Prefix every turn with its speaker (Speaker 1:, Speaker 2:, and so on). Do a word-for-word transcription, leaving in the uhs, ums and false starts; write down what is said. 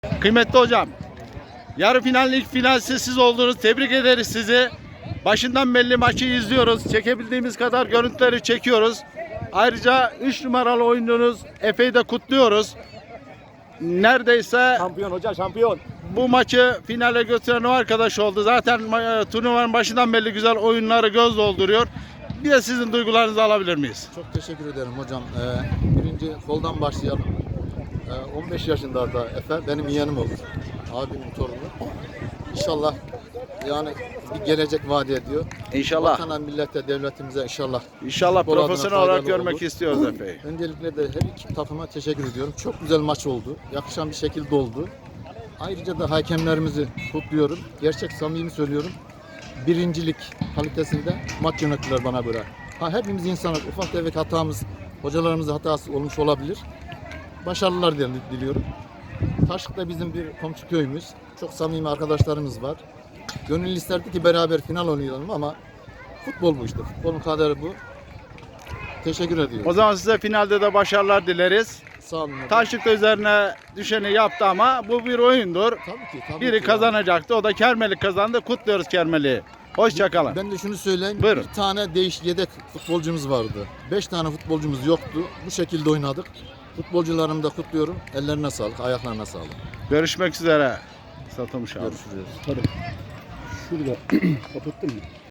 Speaker 1: Kıymetli hocam, yarı final, ilk finalsi siz oldunuz. Tebrik ederiz sizi. Başından belli maçı izliyoruz. Çekebildiğimiz kadar görüntüleri çekiyoruz. Ayrıca üç numaralı oyuncunuz Efe'yi de kutluyoruz. Neredeyse
Speaker 2: Şampiyon hoca, şampiyon.
Speaker 1: bu maçı finale götüren o arkadaş oldu. Zaten e, turnuvanın başından belli güzel oyunları göz dolduruyor. Bir de sizin duygularınızı alabilir miyiz?
Speaker 3: Çok teşekkür ederim hocam. Ee, birinci koldan başlayalım. Ee, on beş yaşında da Efe benim yeğenim olur. Abimin torunu. İnşallah yani bir gelecek vaat ediyor.
Speaker 1: İnşallah.
Speaker 3: Vatana, millete, devletimize inşallah.
Speaker 1: İnşallah
Speaker 3: futbol adına
Speaker 1: profesyonel olarak
Speaker 3: faydalı
Speaker 1: görmek
Speaker 3: olur.
Speaker 1: istiyoruz Efe'yi.
Speaker 3: Öncelikle de her iki takıma teşekkür ediyorum. Çok güzel maç oldu. Yakışan bir şekilde oldu. Ayrıca da hakemlerimizi kutluyorum. Gerçek samimi söylüyorum. Birincilik kalitesinde maç yönettiler bana göre. Ha, hepimiz insanlar. Ufak tefek hatamız, hocalarımızın hatası olmuş olabilir. Başarılar diliyorum. Taşlık da bizim bir komşu köyümüz. Çok samimi arkadaşlarımız var. Gönül isterdi ki beraber final oynayalım ama futbol bu işte. Futbolun kaderi bu. Teşekkür ediyorum.
Speaker 1: O zaman size finalde de başarılar dileriz.
Speaker 3: Sağ olun. hocam.
Speaker 1: Taşlık da üzerine düşeni yaptı ama bu bir oyundur.
Speaker 3: Tabii ki. Tabii
Speaker 1: Biri
Speaker 3: ki.
Speaker 1: kazanacaktı. O da Kermelik kazandı. Kutluyoruz Kermelik'i. Hoşçakalın.
Speaker 3: Ben de şunu söyleyeyim.
Speaker 1: Buyurun.
Speaker 3: Bir tane değiş yedek futbolcumuz vardı. Beş tane futbolcumuz yoktu. Bu şekilde oynadık. Futbolcularımı da kutluyorum. Ellerine sağlık, ayaklarına sağlık.
Speaker 1: Görüşmek üzere. Satılmış abi.
Speaker 3: Görüşürüz.
Speaker 2: Tabii. Şurada kapattın mı?